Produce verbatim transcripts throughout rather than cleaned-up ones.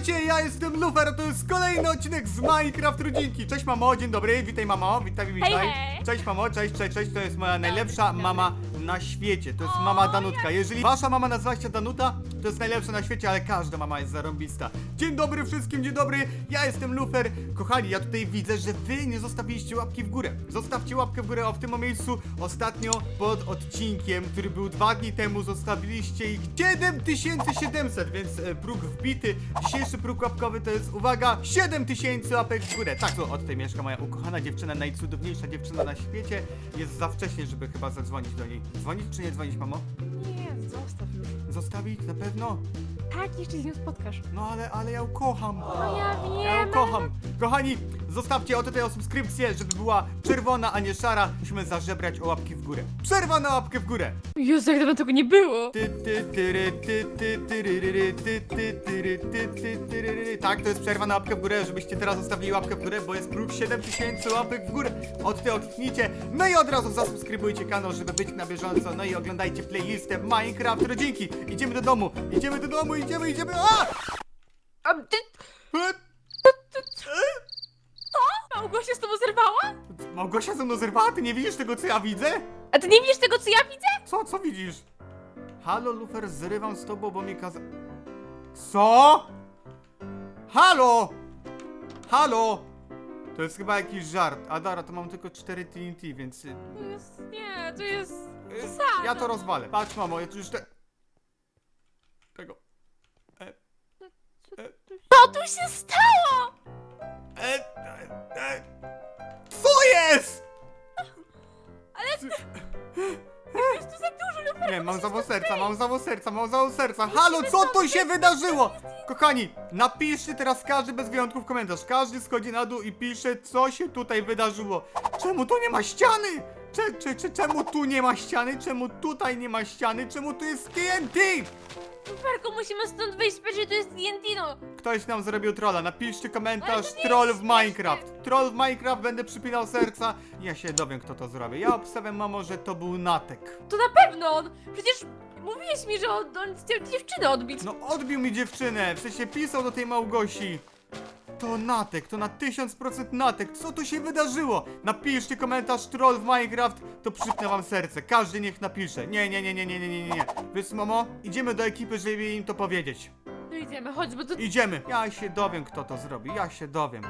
Witajcie, ja jestem Lufer, a to jest kolejny odcinek z Minecraft Rodzinki. Cześć mamo, dzień dobry, witaj mamo, witaj, witaj. Hej, hej. Cześć mamo, cześć, cześć, cześć, to jest moja najlepsza mama na świecie, to jest mama Danutka. Jeżeli wasza mama nazywa się Danuta, to jest najlepsza na świecie, ale każda mama jest zarąbista. Dzień dobry wszystkim, dzień dobry, ja jestem Lufer. Kochani, ja tutaj widzę, że wy nie zostawiliście łapki w górę. Zostawcie łapkę w górę, o w tym miejscu ostatnio pod odcinkiem, który był dwa dni temu, zostawiliście ich siedem tysięcy siedemset, więc e, próg wbity. Dzisiejszy próg łapkowy to jest, uwaga, siedem tysięcy łapek w górę. Tak, to od tutaj mieszka moja ukochana dziewczyna, najcudowniejsza dziewczyna na świecie. Jest za wcześnie, żeby chyba zadzwonić do niej. Dzwonić czy nie dzwonić, mamo? Nie, zostaw już. Zostawić? Na pewno? Tak, jeszcze z nią spotkasz. No ale, ale ja ją kocham. No ja Ja ją wiem. kocham. Kochani, zostawcie o tutaj o subskrypcję, żeby była czerwona, a nie szara. Musimy zażebrać o łapki w górę. Przerwa na łapkę w górę. Jezu, jak dawno tego nie było. Ty, ty, tyry, ty, ty, tyryryry, ty, ty, tyry, ty, ty, tyryryry. Tak, to jest przerwa na łapkę w górę, żebyście teraz zostawili łapkę w górę, bo jest próg siedem tysięcy łapek w górę. Od ty kliknijcie, no i od razu zasubskrybujcie kanał, żeby być na bieżąco. No i oglądajcie playlistę Minecraft Rodzinki. Idziemy do domu, idziemy do domu, idziemy, idziemy. A! A ty... E? Małgosia z tobą zerwała? Małgosia ze mną zerwała, ty nie widzisz tego, co ja widzę? A ty nie widzisz tego, co ja widzę? Co, co widzisz? Halo, Lufer, zrywam z tobą, bo mi kaza... Co? Halo! Halo! To jest chyba jakiś żart. A Dara, to mam tylko cztery T N T, więc... y, To jest... nie, to jest... y, Zasada. Ja to rozwalę. Patrz, mamo, ja tu już te... Tego... Co tu się stało? E, e, e. Co jest? Ale... Jest tu za dużo, Lufer. Nie, mam zawał serca, mam zawał serca, mam zawał serca. Halo, co tu się wydarzyło? Kochani, napiszcie teraz każdy bez wyjątków komentarz. Każdy schodzi na dół i pisze, co się tutaj wydarzyło. Czemu tu nie ma ściany? Cze, cze, cze, czemu tu nie ma ściany? Czemu tutaj nie ma ściany? Czemu tu jest T N T? Luferku, musimy stąd wyjść, że to jest T N T, no. Ktoś nam zrobił trolla. Napiszcie komentarz Ale to nie troll jest w Minecraft. Troll w Minecraft, będę przypinał serca. Ja się dowiem, kto to zrobi. Ja obstawiam, mamo, że to był Natek. To na pewno on. Przecież mówiłeś mi, że on, on chciał dziewczynę odbić. No odbił mi dziewczynę, w sensie pisał do tej Małgosi. To Natek, to na tysiąc procent Natek, co tu się wydarzyło? Napiszcie komentarz troll w Minecraft, to przypnę wam serce, każdy niech napisze. Nie, nie, nie, nie, nie, nie, nie, nie. Wiesz, mamo, idziemy do ekipy, żeby im to powiedzieć. No idziemy, chodź, bo to... Idziemy, ja się dowiem, kto to zrobi, ja się dowiem.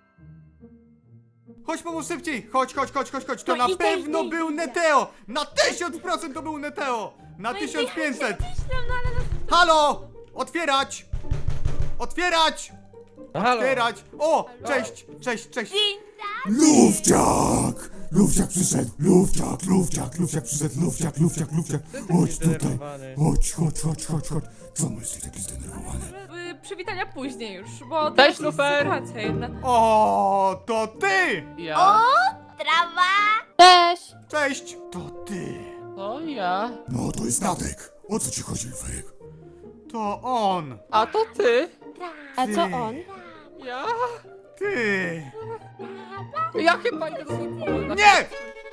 Chodź, mamo, szybciej, chodź, chodź, chodź, chodź, chodź, to No na idę, pewno idę, był idę. Neteo, na tysiąc procent to był Neteo, na No i tysiąc pięćset. ja się myślę, no ale... Halo! Otwierać! Otwierać! Halo! Otwierać! O! Cześć! Cześć, cześć! Dzień Lufciak! Lufciak przyszedł! Lufciak, Lufciak, Lufciak przyszedł! Lufciak, Lufciak, Lufciak! Chodź tutaj! zdenerwowany. Chodź, chodź, chodź, chodź, chodź! Co myślisz, taki zdenerwowany? Y, przywitania później już, bo to Cześć, jest Lufer. sytuacja jedna. O, to ty! Ja? Cześć! Cześć! To ty! To ja. No, to jest Natek! O co ci chodzi, Luferek? To on! A to ty? A Ty. co on? Ja? Ty! Ja chyba idę do swojego pokoju. Nie!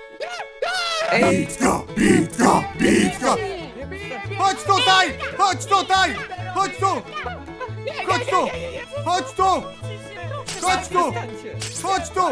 Bitka, bitka, bitka! Chodź tutaj! Chodź tutaj! Chodź tu! Chodź tu! Chodź tu! Chodź tu! Przestańcie. Chodź tu!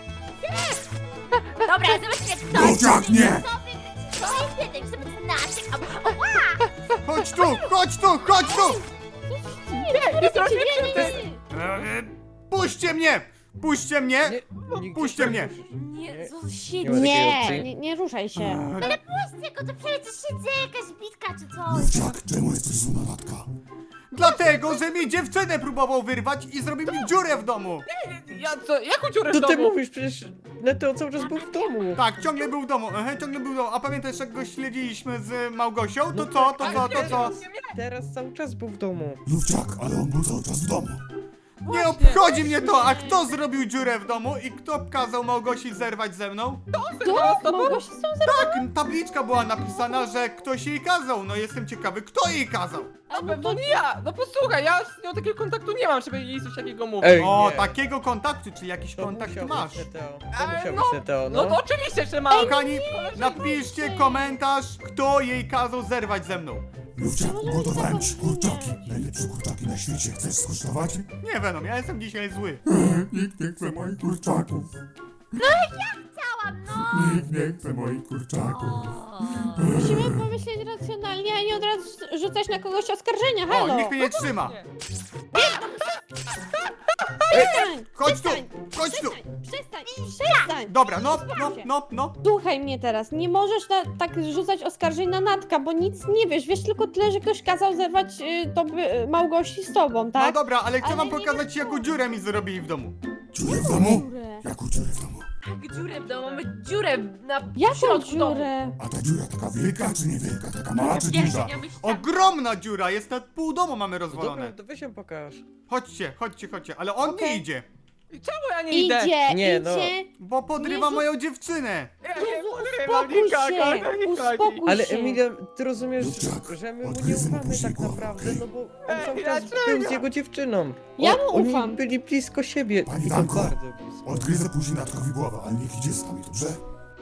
Dobra, zobaczmy kto Lufciak, nie! jeden, żeby znaczyć. Ała! Chodź tu! Chodź tu! Chodź tu! Nie, nie zrobicie ty! Eee, Puśćcie mnie! Puśćcie mnie! Nie, Puśćcie mnie! Nie, co Nie się ma takiej Nie, opcji. nie, nie ruszaj się. Ale puść tylko, to przecież siedzę jakaś bitka czy coś. Lufciak, czemu jesteś zły na Natka? Dlatego, że mi dziewczynę próbował wyrwać i zrobił mi dziurę w domu! Ja co? Jaką dziurę w Co ty domu? mówisz? Przecież Neteo cały czas był w domu. Tak, ciągle był w domu, aha, ciągle był w domu. A pamiętasz, jak go śledziliśmy z Małgosią? To co, to co, to co? Teraz cały czas był w domu. Lufciak, ale on był cały czas w domu. Nie obchodzi mnie to, a kto zrobił dziurę w domu i kto kazał Małgosi zerwać ze mną? To? Małgosia są za... Tak, tabliczka była napisana, że ktoś jej kazał. No jestem ciekawy, kto jej kazał? Na pewno nie ja! No posłuchaj, ja z nią takiego kontaktu nie mam, żeby jej coś takiego mówić. Ej, O, nie. takiego kontaktu, czy jakiś To kontakt musiał masz? być Neteo. To Ej, musiał no, być Neteo, No no. to oczywiście, że mam! Kochani, napiszcie komentarz, kto jej kazał zerwać ze mną. Lufciak, Może ugotowałem być ci taką kurczaki. linię. Najlepsze kurczaki na świecie. Chcesz skosztować? Nie Venom, ja jestem dzisiaj zły. Nikt nie chce moich kurczaków. Chciałam, no! Nikt nie chce moich kurczaków. Musimy pomyśleć racjonalnie, a nie od razu rzucać na kogoś oskarżenia, O, halo! nikt mnie nie trzyma. Przestań! Chodź tu, przestań, chodź tu. Przestań! Przestań! Dobra, no, no, no, no. Słuchaj mnie teraz, nie możesz na, tak rzucać oskarżeń na Natka, bo nic nie wiesz. Wiesz tylko tyle, że ktoś kazał zerwać y, to y, Małgosi z tobą, No tak? dobra, ale chcę Ale wam nie pokazać, wiesz jaką co. dziurę mi zrobili w domu. Dziurę w domu? Dziurę. Jaką dziurę w domu? Tak, dziurę w domu, mamy dziurę na Jaką środku domu. dziurę? A ta dziura taka wielka czy niewielka? Taka mała czy Wiesz, duża? ja myślałam- Ogromna dziura, jest na pół domu mamy Dobra, rozwalone. to weź ją pokaż. Chodźcie, chodźcie, chodźcie, ale on nie Okej. idzie, Czemu ja nie idę? Idzie, Nie, no. idzie! bo podrywa Nie, moją dziewczynę. Ja nie Jezu, podrywam uspokój nikogo, się! o to nie chodzi. Uspokój Ale się! Emilia, ty rozumiesz, Lufciak, że my mu nie odgryzę mu ufamy później tak głowę, naprawdę, okej? no bo on Ej, cały czas dlaczego? był z jego dziewczyną. Ja O- mu Oni ufam. byli blisko siebie. Pani I to Danko. bardzo blisko. Odgryzę później Natkowi głowę, ale niech idzie z nami, dobrze?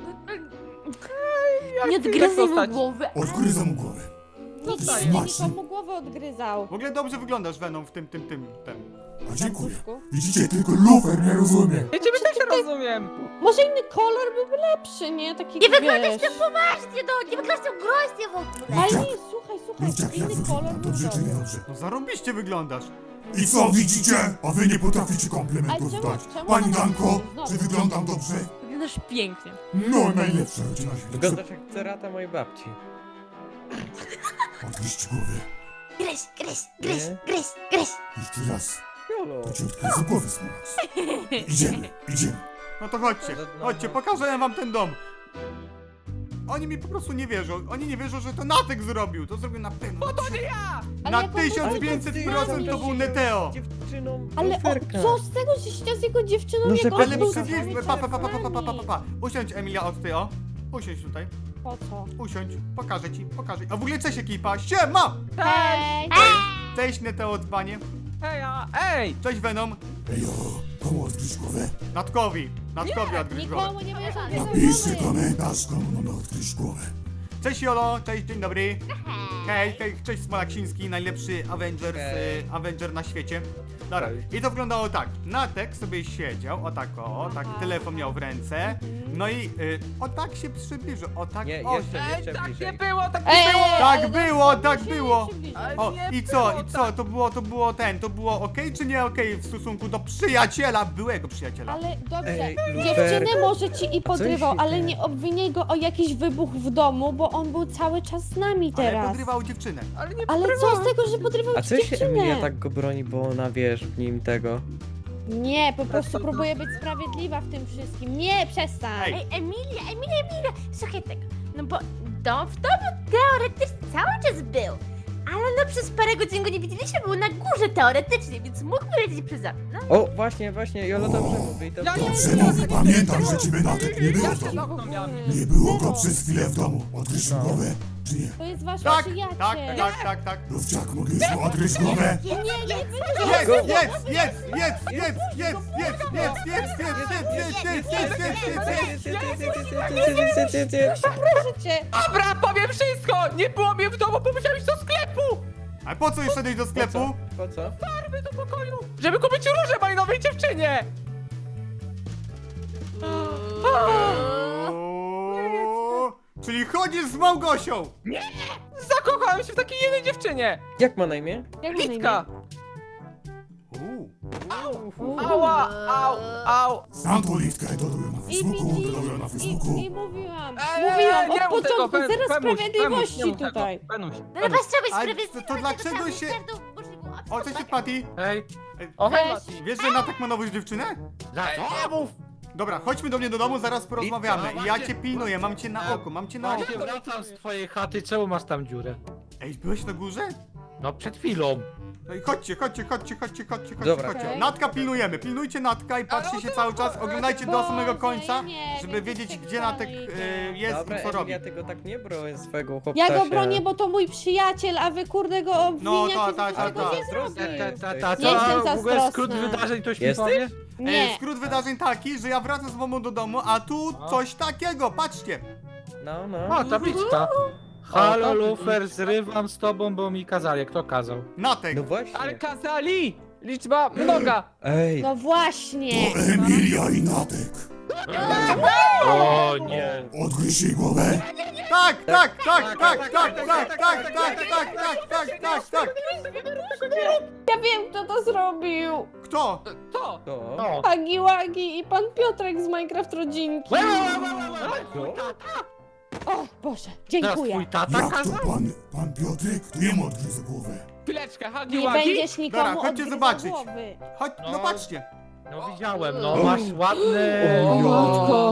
Nie chcę odgryzaj mu zostać. głowy. Odgryzę mu głowę. Co Ty ty smaczny. nikomu głowę odgryzał? W ogóle dobrze wyglądasz Venom w tym, tym, tym, tym. A dziękuję. Duszku? Widzicie, tylko lufer nie rozumie. Ja ciebie też rozumiem. Może inny kolor byłby lepszy, nie? Taki, Nie wyglądasz wiesz... tak poważnie, no! Nie wyglądasz tak groźnie w ogóle! Ale nie, słuchaj, słuchaj, Lufciak, jak inny kolor wyglądam? był Dobrze czy dobry. niedobrze? No zarąbiście wyglądasz. I co widzicie? A wy nie potraficie Ale komplementów czemu- dać. czemu Pani ona- Danko, Znowu. czy wyglądam dobrze? Wyglądasz pięknie. No, najlepsza rodzina świata. Wyglądasz jak cerata mojej babci. Odgryźć głowę. Gryź, gryź, gryź, Nie? gryź, gryź! Jeszcze raz. Jolo. To ci odgryzę głowę z nas. Idziemy, idziemy. No to chodźcie, chodźcie, pokażę wam ten dom. Oni mi po prostu nie wierzą. Oni nie wierzą, że to Natek zrobił. To zrobił na pewno. No to nie ja! Ale Na jak on tysiąc był pięćset taki procent to znany. był Neteo. Dziewczyną Ale o, luferka. co z tego, że się z jego dziewczyną No, jak że on Ale był przecież, cały pa, pa, pa, pa, czas pa, pa, pa, z pa, nami? pa. Usiądź Emilia od ty, o. Usiądź tutaj. Po co? Usiądź, pokażę ci, pokażę. A w ogóle cześć ekipa, siema! Hej! Cześć Neteo dzbanie. Hej, a, ej! Cześć Venom. Ejo, komu odgryźć głowę? Natkowi. Natkowi odgryź głowę. Nikomu nie będziesz odgryzał Napiszcie głowy. komentarz, komu mamy odgryźć głowę. Cześć Jolo, cześć, dzień dobry. Hej, hej, cześć Smolaksiński, najlepszy Avengers, Hej. y, Avenger na świecie. Dobra, i to wyglądało tak. Natek sobie siedział, o tak o, tak Aha. telefon miał w ręce. No i y, o tak się przybliżył, o tak Nie, o. jeszcze, Ej, jeszcze tak nie bliżej. było, tak Ej, nie było! ej, Tak ale było, no, tak się było. przybliżaj. Ale O, nie i co, było i co, tak. to było, to było ten, to było okej czy nie okej w stosunku do przyjaciela, byłego przyjaciela? Ale dobrze, Ej, dziewczynę Lufer. może ci i podrywał, się ale dzieje? nie obwiniaj go o jakiś wybuch w domu, bo on był cały czas z nami Ale teraz. podrywał dziewczynę. Ale nie Ale co podrywałem. z tego, że podrywał A ci co się dziewczynę? Emilia tak go broni, bo ona wiesz w nim tego. Nie, po prostu próbuję być sprawiedliwa w tym wszystkim. Nie, przestań! Ej. Ej, Emilia, Emilia, Emilia! Słuchaj tego, no bo dom w domu teoretycznie cały czas był. Ale no przez parę godzin go nie widzieliśmy, był na górze teoretycznie, więc mógł wylecieć przez okno. O, właśnie, właśnie, Jolo dobrze mówi. To Ja nie Dobrze mówi, pamiętam, że ciebie Natek nie było Ja w się domu. okno miałem. Nie było go przez chwilę w domu. Odgryźć mu głowę, czy nie? To jest wasz Tak, przyjaciel. tak, tak, tak, tak. Lufciak, mogę już mu odgryźć głowę? Nie, nie, nie, Jedz, jedz, jedz, jedz, jedz, jedz, jedz, jedz, jedz, jedz, jedz, jedz, jedz, jedz, jedz, jedz, jedz. proszę cię. Dobra, powiem wszystko! Nie było mnie w domu, bo musiałem iść do sklepu! A po co już szedłeś do sklepu? Po co? Farby do pokoju! Żeby kupić róże mojej nowej dziewczynie! O, czyli chodzisz z Małgosią! Zakochałem się w takiej jednej dziewczynie! Jak ma na imię? Jak ma na imię? Litka! Uuu. Uuu. Ała, au, au! Znam tą litkę, dodał ją na I Facebooku, widzisz, dodał ją na i, Facebooku. i mówiłam, Ej, mówiłam nie od mów tego, początku, Fen- zero Femuś, sprawiedliwości Femuś, nie mów tego. tutaj. Fenuś, No ale Fenuś. was trzeba być Ale sprawiedliwy. to- to dlaczego się- O, cześć Patty. Hej. Ej, O, hej, Cześć. Mati. Wiesz, że Natek ma nową dziewczynę? Za co? Nie mów! Dobra, chodźmy do mnie do domu, zaraz porozmawiamy. I co? I ja cię pilnuję, mam cię na oku, mam cię na oku. Właśnie wracam z twojej chaty, czemu masz tam dziurę? Ej, byłeś na górze? No przed chwilą. No i chodźcie, chodźcie, chodźcie, chodźcie, chodźcie, chodźcie, Dobra. chodźcie. Okej. Natka pilnujemy, pilnujcie Natka i patrzcie się cały czas, oglądajcie do samego końca, Boże, ja nie żeby wiem, wiedzieć, co gdzie się Natek dalej y, idzie. jest Dobra, i co robi. Emilia, tego tak nie broń swojego chłopca. Ja go bronię, bo to mój przyjaciel, a wy kurde go obwiniacie, No, że ta, ta, tego ta, nie ta. zrobił. Ta, ta, ta, ta, Nie jestem co? W ogóle skrót zazdrosna. wydarzeń to mi Jesteś? powiesz? Nie. E, skrót wydarzeń taki, że ja wracam z mamą do domu, a tu No. coś takiego, patrzcie. No, no. O, tabliczka. Halo, to- Lufer, zrywam z tobą, bo mi kazali. Kto kazał? Natek! No właśnie. Ale kazali! Liczba mnoga! Ej, No właśnie. To Emilia i Natek. O nie. Odgryź jej głowę. Tak, tak, tak, tak, tak, tak, tak, tak, tak, tak, tak, tak, tak. Ja wiem, kto to zrobił. Kto? To! to. No. Hagi Wagi i pan Piotrek z Minecraft Rodzinki. Łe, łe, łe, łe, łe, łe, twój tata? O Boże, Teraz dziękuję. twój tata Jak to kazał? pan, pan Piotrek? To jemu odgryzę głowę. Chwileczkę, Hagi Nie Wagi? będziesz nikomu Dobra, chodźcie odgryzał zobaczyć. głowy. Chodź, no patrzcie. No widziałem, no masz ładny... O matko.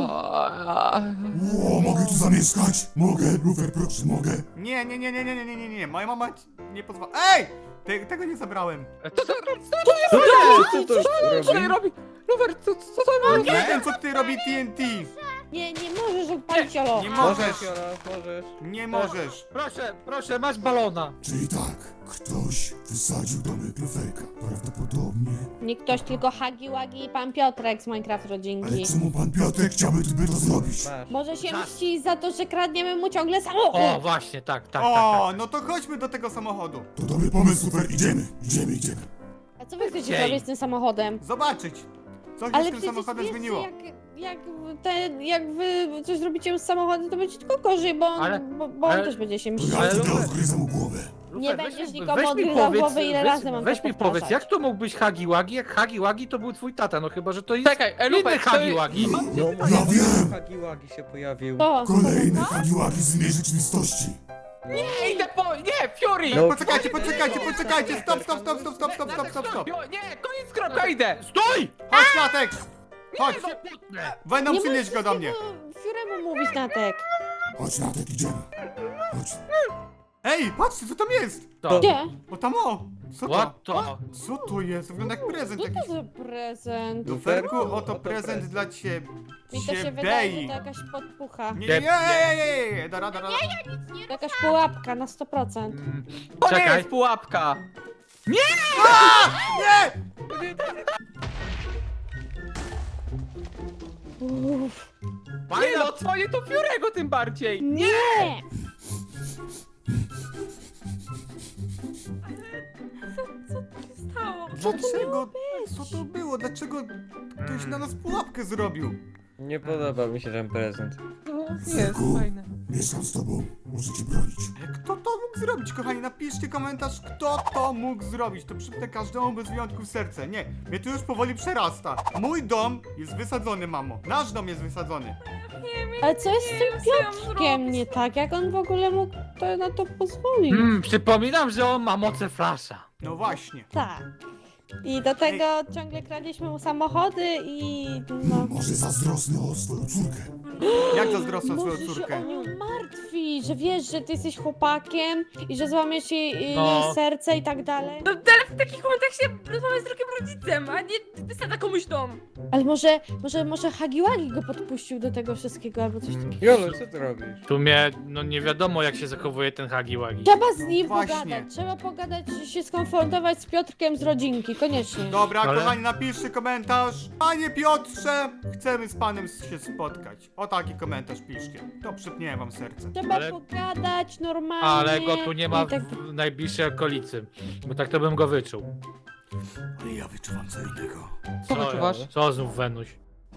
O, mogę tu zamieszkać? Mogę, Lufer, proszę, mogę. Nie, nie, nie, nie, nie, nie, nie, nie, nie. Moja mama ci nie pozwala. Ej! Te, tego nie zabrałem. Co to Co to Co robi? robi? Rower, co, co to robi? Nie wiem, co ty robi T N T. Nie, nie możesz odpalić Olo. Nie Możesz, możesz. Jola, możesz. Nie możesz. Proszę, proszę, masz balona. Czyli tak, ktoś wysadził domek Luferka. Prawdopodobnie. Nie ktoś, tylko Hagi Wagi i pan Piotrek z Minecraft Ale Rodzinki. czemu pan Piotrek chciałby by to zrobić? Masz. Może się Za- mści za to, że kradniemy mu ciągle O, samochód. właśnie, tak, tak, tak. O, tak. no to chodźmy do tego samochodu. To dobry pomysł, Lufer, idziemy, idziemy, idziemy. A co wy chcecie Ej. robić z tym samochodem? Zobaczyć. Co się Ale z tym przecież samochodem wiesz, zmieniło. jak, jak, te, jak wy coś zrobicie z samochodem, to będzie tylko gorzej, bo, on- Ale- bo, bo on ale- też będzie się To mścił. ja Ale wtedy Lufer- odgryzę mu głowę. Nie Lufer, będziesz weź mi- nikomu weź mi odgryzał powiedz- głowy, ile weź- razy mam Weź to mi powiedz, powtarzać. jak to mógł być Hagi Wagi, jak Hagi Wagi to był twój tata, no chyba, że to jest Czekaj, e, inny Lupek, to Hagi jest- Wagi. No, Ja wiem. Hagiłagi się pojawił. To, Kolejne hagiłagi z innej rzeczywistości. Nie, idę po... Nie, Fury! No. Poczekajcie, poczekajcie, poczekajcie. Stop, stop, stop, stop, stop, stop, stop, stop, stop. Jo, nie, koniec, kropka, idę! Stój! Chodź, Natek. Chodź. Się potnę. Będą nie przynieść go do mnie. Fiuremu mówić Natek. Chodź, Natek, idziemy. Chodź. Ej, patrzcie, co tam jest. To. Gdzie? O tam o. Co to? What to? Co to jest? Wygląda jak prezent Co jakiś. to za prezent? Luferku, oto Oto prezent prezent. dla ciebie. Mi to się wydaje, że to jakaś podpucha. Nie, nie, nie, nie, nie, nie, dara, dara. To jakaś pułapka na sto procent. Mm, To nie Czekaj. jest pułapka! Nie! Uff. Nie no, dzwonię to Fiurego tym bardziej! Nie! Stało. Dlaczego? Co to było? Dlaczego ktoś na nas pułapkę zrobił? Nie podoba mi się ten prezent. Luferku, mieszkam z tobą. Muszę cię bronić. Ale kto to mógł zrobić, kochani? Napiszcie komentarz, kto to mógł zrobić. To przypnę każdemu bez wyjątku w serce. Nie, mnie tu już powoli przerasta. Mój dom jest wysadzony, mamo. Nasz dom jest wysadzony. Ale co jest z Nie tym wiem, co ja mam Piotrkiem zrobić. nie tak? Jak on w ogóle mógł to, na to pozwolić? Mm, przypominam, że on ma moce flasza. No właśnie. Tak. I do tego ciągle kradliśmy mu samochody i no... Może zazdrosny o swoją córkę. Jak zazdrosną swoją Może się córkę? o nią martwi, że wiesz, że ty jesteś chłopakiem i że złamiesz jej, No. jej serce i tak dalej. No ale w takich momentach się rozmawia z drugim rodzicem, a nie wysadza komuś dom. Ale może, może, może Hagiwagi go podpuścił do tego wszystkiego albo coś takiego. Jolo, co ty robisz? W sumie, no nie wiadomo jak się zachowuje ten Hagi Wagi. Trzeba z nim Właśnie. pogadać, trzeba pogadać, się skonfrontować z Piotrkiem z rodzinki, koniecznie. Dobra, Ale- kochani, napiszcie komentarz. Panie Piotrze, chcemy z panem się spotkać. O taki komentarz piszcie. To przypnie wam serce. Trzeba Ale- pogadać normalnie. Ale go tu nie ma i tak... w najbliższej okolicy. Bo tak to bym go wyczuł. Ale ja wyczuwam co innego. Co wyczuwasz? Co znów Wenuś?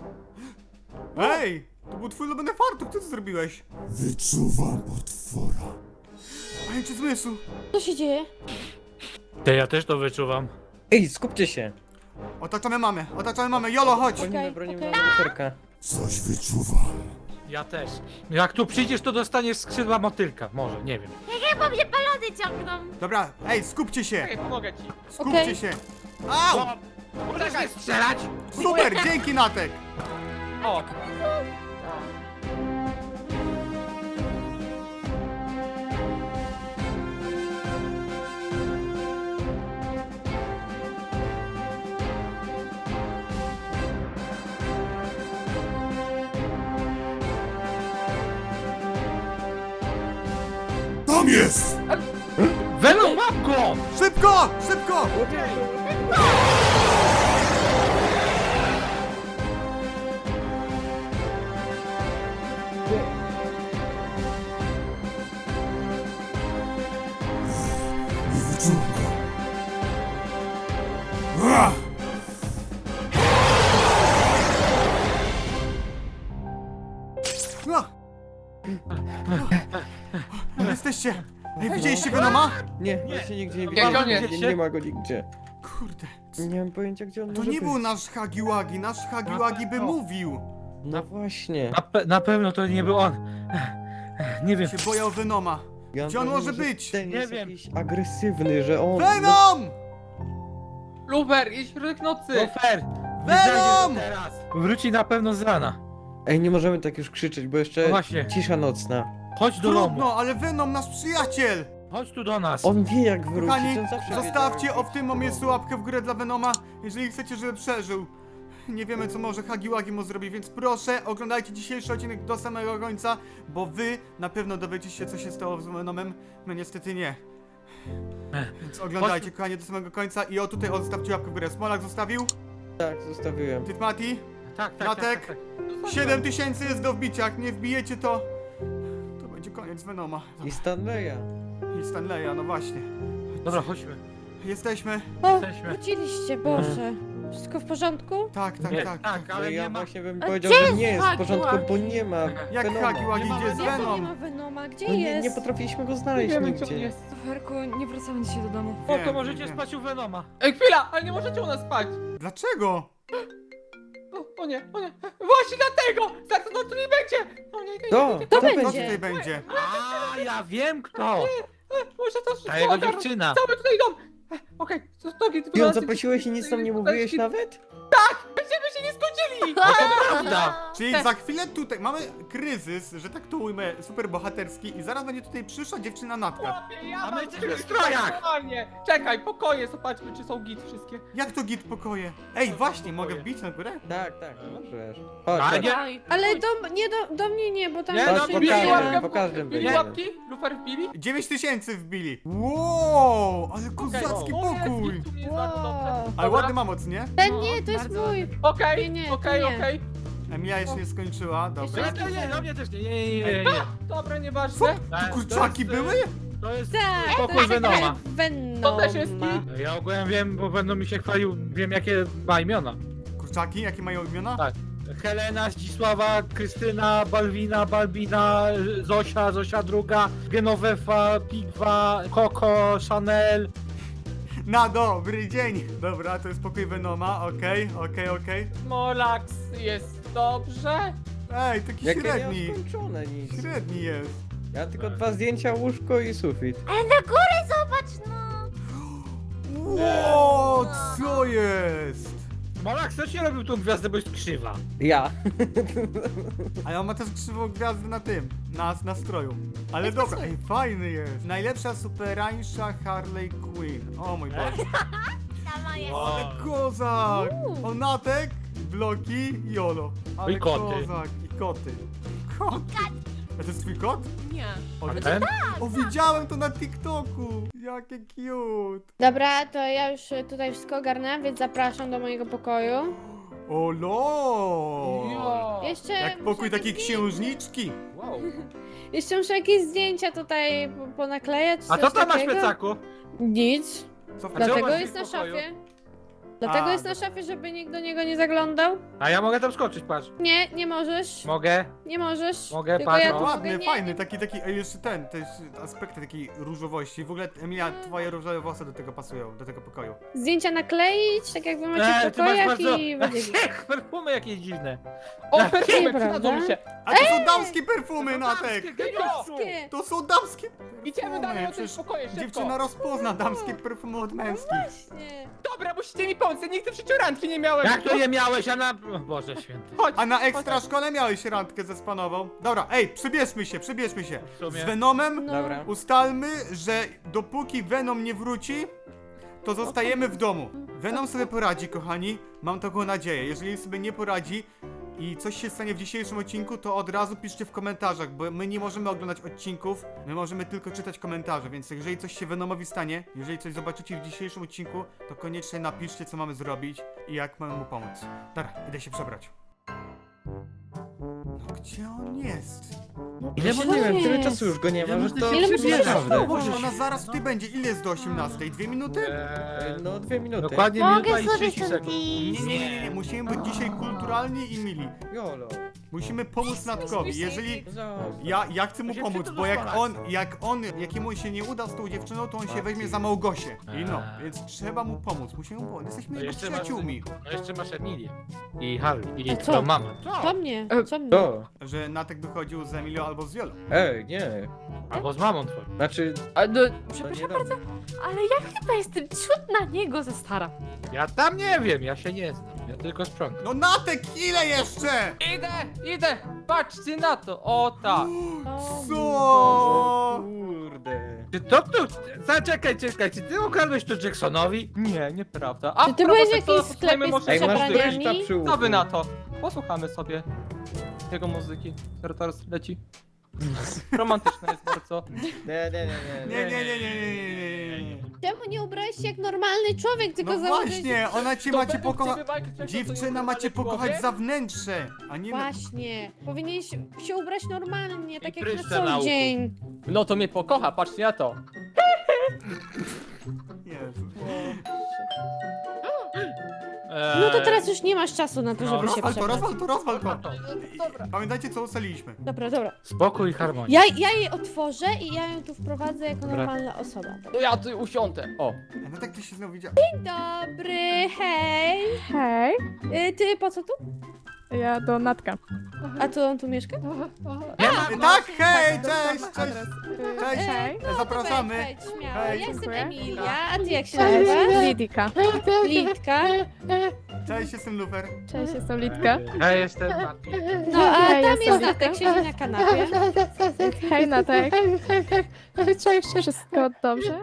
Ej, to był twój ulubiony fartuch, co ty zrobiłeś? Wyczuwam potwora. Pajęczy zmysł. Co się dzieje? Te ja też to wyczuwam. Ej, skupcie się! Otaczamy mamę, otaczamy mamę. Jolo, chodź. Bronimy, Okej, bronimy okej. okay. luferka. Coś wyczuwam. Ja też. Jak tu przyjdziesz, to dostaniesz skrzydła motylka. Może, nie wiem. Chyba mnie balony ciągną. Dobra, ej, skupcie się. Czekaj, pomogę ci. Skupcie Okej. się. Au! Czekaj, Strzelać! Super, dzięki Natek. o! Tam jest! Wenu, mam go! Szybko, szybko. Ua! A! O, jesteście! Ej, widzieliście Venoma? Nie, właśnie nigdzie nie Nie, widziałem. koniec. Nie, nie ma go nigdzie. Kurde. Nie mam pojęcia, gdzie on To może nie być. był nasz Hagiwagi, nasz Hagiwagi by mówił. No właśnie. Na, pe na pewno to nie był on. Nie wiem. Się boję o Venoma. Ja Gdzie on mam może wrażenie, że być? Ten Nie jest wiem. jakiś agresywny, że on... Venom! Lufer, i środek nocy! No fair. Venom! Teraz. Wróci na pewno z rana. Ej, nie możemy tak już krzyczeć, bo jeszcze No właśnie. cisza nocna. Chodź do domu. Trudno, ale Venom, nasz przyjaciel! Chodź tu do nas. On wie jak wrócić, Kochani, on zawsze zostawcie wiedział, o w tym momencie łapkę w górę dla Venoma, jeżeli chcecie, żeby przeżył. Nie wiemy, co może Hagiwagi mu zrobi, więc proszę, oglądajcie dzisiejszy odcinek do samego końca, bo wy na pewno dowiecie się, co się stało z Venomem. My niestety nie. Więc oglądajcie, kochani, do samego końca i o tutaj o, zostawcie łapkę w górę. Smolak zostawił? Tak, zostawiłem. Ty, Mati? Tak, tak, Natek? tak, tak, tak. siedem tysięcy jest do wbicia, jak nie wbijecie, to... To będzie koniec Venoma. I Stanleya. I Stanleya, no właśnie. Dobra, chodźmy. Jesteśmy? O, Jesteśmy. wróciliście, Boże. Wszystko w porządku? Tak, tak, Nie, tak. tak, No ale ja nie ma. właśnie bym A powiedział, gdzie że nie jest w jest porządku, bo Hagiwagi? nie ma Jak Venoma. Hagiwagi Nie ma idzie z Venoma. Jak to nie Venom? ma Venoma? Gdzie No nie, jest? nie potrafiliśmy go Nie znaleźć wiemy, gdzie on nigdzie. jest. Luferku, nie wracamy dzisiaj do domu. O, Wiem, to możecie wiem. spać u Venoma. Ej, chwila, ale nie możecie u nas spać! Dlaczego? O, o nie, o nie, właśnie dlatego! Za to, no tu nie będzie! O nie, nie, nie, To, nie, to Co będzie. tutaj będzie? A, ja wiem kto. nie, może to Ta jego ogarnąć. dziewczyna. Cały tutaj dom! E, Okej, to stogi, ty Ty ją zaprosiłeś i nic nam nie mówiłeś nawet? Będziemy się nie zgodzili! No to prawda. Czyli za chwilę tutaj mamy kryzys, że tak to ujmę, super bohaterski i zaraz będzie tutaj przyszła dziewczyna Natka. Chłopie, ja A my mam jesteśmy w wszystko strojach. aktualnie. Czekaj, pokoje, zobaczmy, czy są git wszystkie. Jak to git pokoje? Ej, właśnie, mogę wbić na górę? Tak, tak, możesz. Chodź, Ale chodź. nie. Aj, Ale chodź. do, nie do, do mnie nie, bo tam Nie, się no, po Wbili każdym, łapkę po w- każdym Wbili będzie. łapki? Lufer wbili? dziewięć tysięcy wbili. Wow, ale Okej, kozacki tu jest pokój. git, tu jest bardzo dobrze. Wow. Ale Dobra. ładny mamoc, nie? Ten No, nie, to jest bardzo mój. ładny. Okej, Nie, nie, okej, to nie. okej. Emilia jeszcze nie skończyła, dobra. Nie, nie, nie, do mnie też nie, nie, nie, nie, nie, nie. Dobra, Co? nieważne. Tu kurczaki To jest, były? To jest Tak, to pokój jest Venoma. Venoma. To też jest No ja ogółem wiem, bo będą mi się chwalił, wiem jakie ma imiona. Kurczaki, jakie mają imiona? Tak. Helena, Zdzisława, Krystyna, Balwina, Balbina, Zosia, Zosia druga, Genovefa, Pigwa, Coco, Chanel. Na dobry dzień. Dobra, to jest pokój Venoma, okej, okej, okej. Molax jest dobrze. Ej, taki Jakie miał średni. skończone nic. Średni jest. Ja tylko dwa zdjęcia, łóżko i sufit. Ale na górę zobacz, no! Wow, co jest? Molak, kto ci robił tą gwiazdę, bo jest krzywa? Ja. A ja ma też krzywą gwiazdę na tym, na nastroju. Ale dobra, ej, fajny jest. Najlepsza superańsza Harley Quinn. O mój Boże. Sama jest. Ale kozak! Onatek, bloki i Olo. Ale I koty. kozak, i koty. Kot. A to jest twój kot? Nie. O, A widzę- ten? o widziałem to na TikToku. Jakie cute. Dobra, to ja już y, tutaj wszystko ogarnę, więc zapraszam do mojego pokoju. O lo! Jo. Jeszcze Jak muszę pokój jakieś takiej zdję- księżniczki. Wow. Jeszcze muszę jakieś zdjęcia tutaj po- ponaklejać. A coś co tam masz w takiego. plecaku? Nic. Co w A czemu Dlatego masz jest w na pokoju? szafie. Dlatego A, jest na dobra. szafie, żeby nikt do niego nie zaglądał. A ja mogę tam skoczyć, patrz. Nie, nie możesz. Mogę? Nie możesz. Mogę, Tylko patrz, ja o. tu Ładny, mogę, nie, fajny, nie. taki, taki, ej, jeszcze ten, też aspekty takiej różowości. W ogóle, Emilia, twoje różowe włosy do tego pasują, do tego pokoju. Zdjęcia nakleić, tak jak wy macie Eee, w ty masz pokojach bardzo... i będzie git. Perfumy jakieś dziwne. O, perfumy, Nieprawda. przydadzą mi się. A to są damskie perfumy, Natek! Wszystkie. To są damskie perfumy! Idziemy dalej o tym Przecież pokoju, szybko. dziewczyna rozpozna damskie perfumy od męskich. Nie. Dobra, musicie mi pomóc, ja nigdy w życiu randki nie miałem. Jak to je miałeś, a na... O Boże święty. Chodź. A na ekstra szkole miałeś randkę ze Spanową. Dobra, ej, przybierzmy się, przybierzmy się. W sumie. Z Venomem No. Dobra. ustalmy, że dopóki Venom nie wróci, to zostajemy w domu. Venom sobie poradzi, kochani. Mam taką nadzieję. Jeżeli sobie nie poradzi i coś się stanie w dzisiejszym odcinku, to od razu piszcie w komentarzach, bo my nie możemy oglądać odcinków, my możemy tylko czytać komentarze, więc jeżeli coś się Venomowi stanie, jeżeli coś zobaczycie w dzisiejszym odcinku, to koniecznie napiszcie, co mamy zrobić i jak mamy mu pomóc. Dobra, idę się przebrać. No gdzie on jest? Ile Ja może nie wiem, jest? tyle czasu już go nie ma, że to Ile może się naprawdę. Boże, ona zaraz tutaj będzie. Ile jest do osiemnastej? Dwie minuty? Eee, No dwie minuty. Dokładnie minuta Mogę i sobie trzydzieści stąd sekund. Nie, iść. nie, nie, nie, nie. Musimy być dzisiaj kulturalni i mili. Jolo. Musimy pomóc Natkowi. Jeżeli... Zostaw. Ja, ja chcę mu To się pomóc, przyda bo jak doskonale. on, jak on, jakiemu się nie uda z tą dziewczyną, to on się weźmie za Małgosię. I no, Eee. więc trzeba mu pomóc, musimy mu pomóc. Jesteśmy No jego jeszcze masz, przyjaciółmi. no jeszcze masz Emilię. I Harry. I A co? twoją mamę. Co mnie? Co mnie? To. Że Natek wychodził z Emilio albo z Wiolą. Ej, nie. Albo z mamą twoją. Znaczy, A, no, to przepraszam nie bardzo, ale ja chyba jestem ciut na niego za stara. Ja tam nie wiem, ja się nie znam. Ja tylko sprzątam. No Natek, ile jeszcze? Idę, idę! Patrzcie na to! O tak! O, Co? Kurde. Czy to tu... Zaczekaj, czekaj, czy ty ukradłeś to Jacksonowi? Nie, nieprawda. A Czy ty propos byłeś w tego, jakimś posłuchajmy sklepie z może Ej, jego masz muzyki. dryżka przebraniami? przy uchu. Co wy na to? Posłuchamy sobie jego muzyki, która teraz leci. Romantyczna jest bardzo. Nie, nie, nie, Nie, nie, nie, nie, nie, nie, nie. Czemu nie ubrałeś się jak normalny człowiek, tylko No założyłeś... właśnie, ona cię To macie według pokochać. ciebie, Majki, coś, co Dziewczyna jest macie normalny pokochać człowiek? za wnętrze, a nie... Właśnie. Powinieneś się ubrać normalnie, tak jak pryszcze na na co uchu. dzień. No to mnie pokocha, patrzcie na to. Jezu. Eee, No to teraz już nie masz czasu na to, No, żeby się Rozwal to, przebrać. rozwal to, rozwal to. Dobra. Pamiętajcie, co ustaliliśmy. Dobra, dobra. Spokój i harmonia. Ja, ja jej otworzę i ja ją tu wprowadzę jako Dobra. normalna osoba. To ja tu usiądę. O. A no tak ty się znowu widział. Dzień dobry, hej. Hej, Y, ty po co tu? ja do Natka. A to on tu mieszka? Nie ma... Tak, hej, cześć, cześć. Adres. Cześć. Hej. Zapraszamy. Wejdź, wejdź, śmiało. Hej. Ja jestem Dziękuję. Emilia, a ty jak się Cześć, nazywasz? Lidika. Litka. Cześć, jestem Lufer. Cześć, jestem Litka. Ja jestem Mati. No a Hej, tam jestem jest Litka. Natek, siedzi na kanapie. Hej, Natek. Cześć, wszystko dobrze?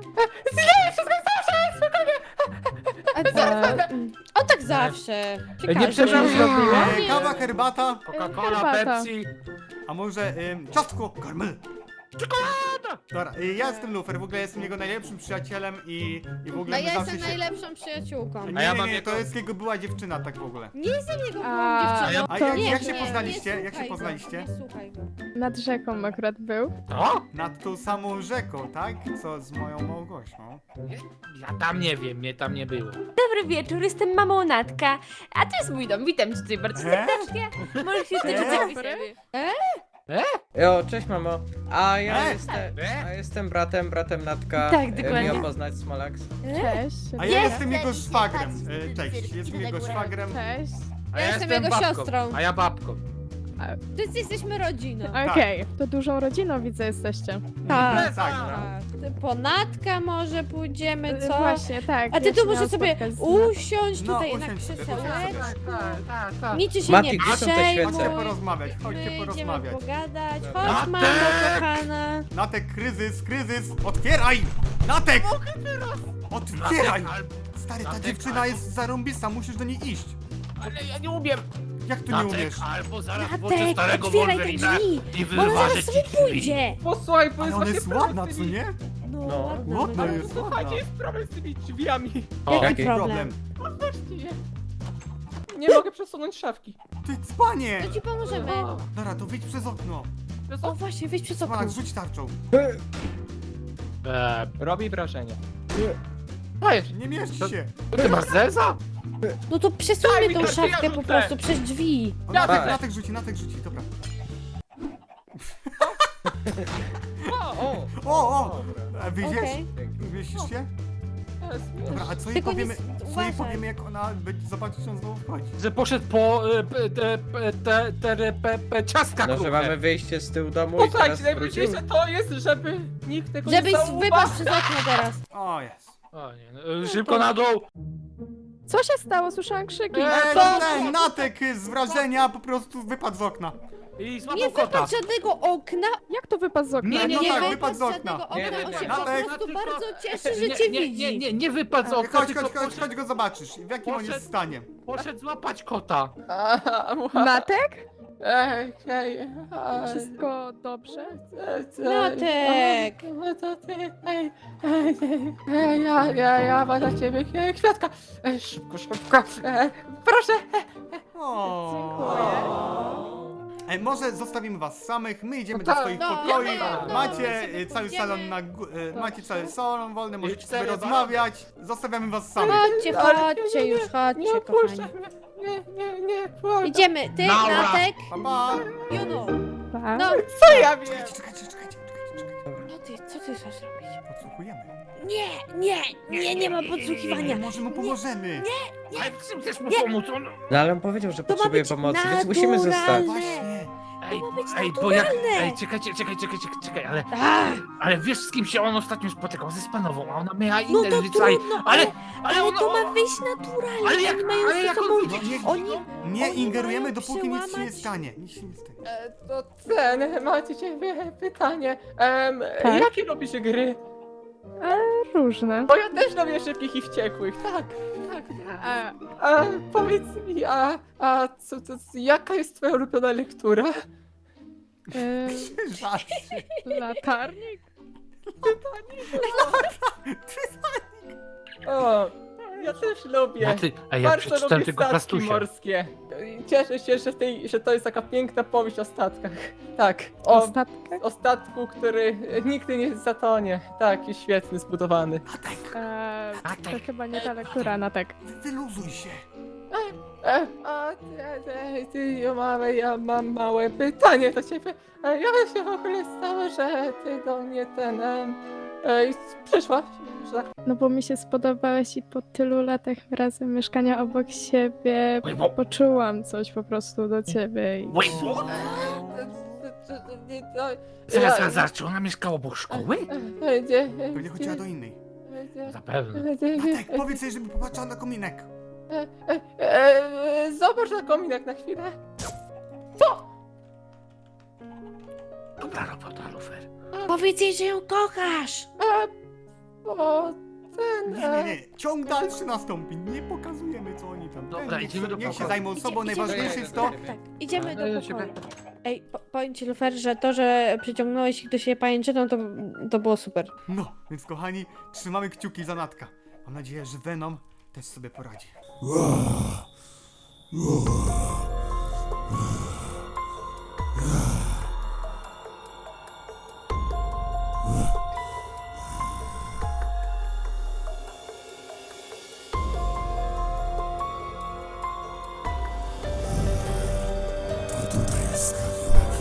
A co? O tak zawsze. Czy Nie każdy? przepraszam, zrobiła? E, kawa, herbata, Coca-Cola, Herbata. Pepsi. a może ym, ciastko, karmel. Czekolada! Dobra, y, ja jestem Lufer, w ogóle jestem jego najlepszym przyjacielem i, i w A ogóle my ja zawsze jestem się... najlepszą przyjaciółką. Nie, A ja nie, mam nie, jego- to jest jego była dziewczyna, tak w ogóle. Nie jestem jego byłą A, dziewczyną. A To jak, Nie, jak się nie, poznaliście? nie Jak się słuchaj go, poznaliście? Nie słuchaj go. Nad rzeką akurat był. To? Nad tą samą rzeką, tak? Co z moją Małgosią. Ja tam nie wiem, mnie tam nie było. Dobry wieczór, jestem mamą Natka, a to jest mój dom, witam cię tutaj bardzo E? serdecznie. Możesz się E? stać zapisać. Jo, cześć mamo. A ja E? jestem, a jestem bratem, bratem Natka. Tak, E, dokładnie. Miło poznać Smolax. Cześć. A ja Jest jestem jego ten szwagrem. patrz, E, Cześć, cyrk, jestem idę na jego górę. szwagrem. Cześć. A Ja jestem jego babką, siostrą. A ja babką. Wszyscy jesteśmy rodziną. Okej, to dużą rodziną widzę jesteście. Tak. Tak, Tak. Ty po Natka może pójdziemy, co? Właśnie, tak. A ty ja tu się może miałam sobie spotkać z- usiąść No, tutaj na usiądź sobie, usiądź krzesełeczku. Tak, tak, tak. Niczy się Mati, nie gdzie są te przejmuj. świece? Chodźcie porozmawiać, My chodźcie idziemy porozmawiać. pogadać. Dobra. Chodź, mamo kochana. Natek, kryzys, kryzys! Otwieraj! Natek! Otwieraj! Stary, ta Natek, dziewczyna jest zarąbista, musisz do niej iść. Ale ja nie umiem. Jak tu nie umiesz? albo zaraz włączę Natek, starego otwieraj te Wolverina drzwi. i Bo ona wyważę zaraz sobie ci drzwi. pójdzie. Posłuchaj, bo Ale jest ona właśnie jest problem ładna, z co tymi... nie? No, No. ładna. Ładna ładna. jest, Słuchajcie, ładna. jest problem z tymi drzwiami. O, Jaki Jaki problem? Otwórzcie je. Nie mogę przesunąć szafki. Ty cpanie! To ci pomożemy. Dobra, to wyjdź przez okno. Wiesz O co? właśnie, wyjdź przez okno. Smalak, rzuć tarczą. e, Robi wrażenie. Dajesz. Nie mieści To- się. ty masz zeza? No to Daj przesuńmy mi tą te drzwi, szafkę ja po rzucę. prostu przez drzwi. O, Ja Natek, tak. Natek rzuci, Natek rzuci, dobra. O, O! O, o! A wyjdziesz? Okej. Dzięki. Wieścisz się? jest. Dobra, a co jej Tylko nie powiemy, s- co jej uważaj. powiemy jak ona będzie zobaczyć, że on znowu wchodzi? Że poszedł po e, p- te, p- te, te, pe, pe, ciastka No, że kruche. mamy wyjście z tyłu domu i teraz Posłuchajcie, wrócił. najważniejsze to jest, żeby nikt tego Żebyś nie zauważył. wypadł przez okno teraz. O, jest. O, nie, no, e, szybko na dół. Co się stało? Słyszałam krzyki. Eee, to- ten Natek z wrażenia po prostu wypadł z okna. I Nie złapał kota. wypadł żadnego okna. Jak to wypadł z okna? Nie, nie, No Nie tak, wypadł wypadł z okna. żadnego Nie, okna. nie, On nie. się po Natek. prostu Tylko- bardzo cieszy, że nie, cię nie, widzi. nie, nie, nie wypadł z okna, Chodź, tylko chodź, chodź, poszedł, chodź go zobaczysz. W jakim on jest Poszedł- stanie? poszedł złapać kota. Aha, Natek? Ej, ej, ej. Wszystko dobrze? Natek. No to ty, ej, ej, ej, ej, ja, ja, ja mam dla ciebie e, kwiatka. Ej, szybko, szybko. E, proszę. O. E, może zostawimy was samych, my idziemy No do tak, swoich no, pokoi, no, no, macie no, e, cały idziemy. salon na gó- e, macie cały salon wolny, możecie sobie cztery rozmawiać, zostawiamy was samych. Chodźcie, Ale chodźcie już, Nie chodźcie, opuszczaj kochani. mnie. Nie, nie, nie, błagam. Idziemy, ty, Nara. Natek, Pa, pa. Juno. Tak? No, Co ja wiem? Czekajcie, czekajcie, czekajcie, czekajcie, czekajcie. no ty, co ty chcesz robić? Podsłuchujemy. Nie, nie, nie, nie ma podsłuchiwania. Może mu pomożemy. Ale w czym chcesz mu pomóc? On... No ale on powiedział, że To ma potrzebuje być pomocy, więc musimy zostać. naturalne. Właśnie. Ej, ma być ej, bo jak... naturalne. Ej, czekajcie, czekaj, czekaj, czekaj, czekaj, ale... A, Ale wiesz, z kim się on ostatnio spotykał? Ze Spanową, a ona miała no inne to zwyczaje. trudno, Ale... ale, Ale ale ona... to ma wyjść naturalnie. Ale jak... Oni mają Ale ze jak sobą... on widzi? Oni... Nie Oni ingerujemy, mają dopóki nic się nie przełamać- stanie. Nic się nie stanie. E, to ten, macie ciebie pytanie. Em, Tak? Jakie lubisz gry? E, różne. Bo ja też lubię szybkich i wściekłych, tak, tak. A, A powiedz mi, a, a co, to, jaka jest twoja ulubiona lektura? e, Żart. latarnik? O, ja też lubię. Ja, ty, ej, ja Bardzo przeczytałem lubię tylko statki plastusie. morskie. Cieszę się, że, tej, że to jest taka piękna powieść o statkach. Tak, o, Ostatkę? o statku, który nigdy nie zatonie. Tak, jest świetny, zbudowany. E, A to tak. chyba nie ta lektura, na tak. Wyluzuj się. E, a ty, ty, ty, ja, mam, ja mam małe pytanie do ciebie. E, jak się w ogóle stało, że ty do mnie ten... E, e, przyszłaś? Że tak No bo mi się spodobałeś i po tylu latach razem mieszkania obok siebie Wait, what? poczułam coś po prostu do ciebie. I... Wait, what? Zaraz, zaraz, zaraz, czy ona mieszkała obok szkoły? Będzie. Pewnie chodziła do innej. Zapewne. Matek, powiedz jej, żeby popatrzyła na kominek. E, e, e, zobacz na kominek na chwilę. Dobra robota, Lufer. Powiedz jej, że ją kochasz. E, bo ten. Nie, nie, nie. Ciąg dalszy nastąpi. Nie pokazujemy, co oni tam. Dobra, niech, idziemy do niech się pokoju. zajmą sobą. Idzie- Najważniejsze idziemy. jest to... Tak, idziemy do Ale się pokoju. Ej, po, powiem ci, Lufer, że to, że przyciągnąłeś ich do siebie pajęczyną, to, to było super. No, więc kochani, trzymamy kciuki za Natka. Mam nadzieję, że Venom też sobie poradzi. To tutaj jest Kakiłaki.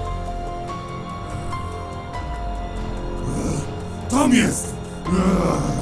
Tam jest!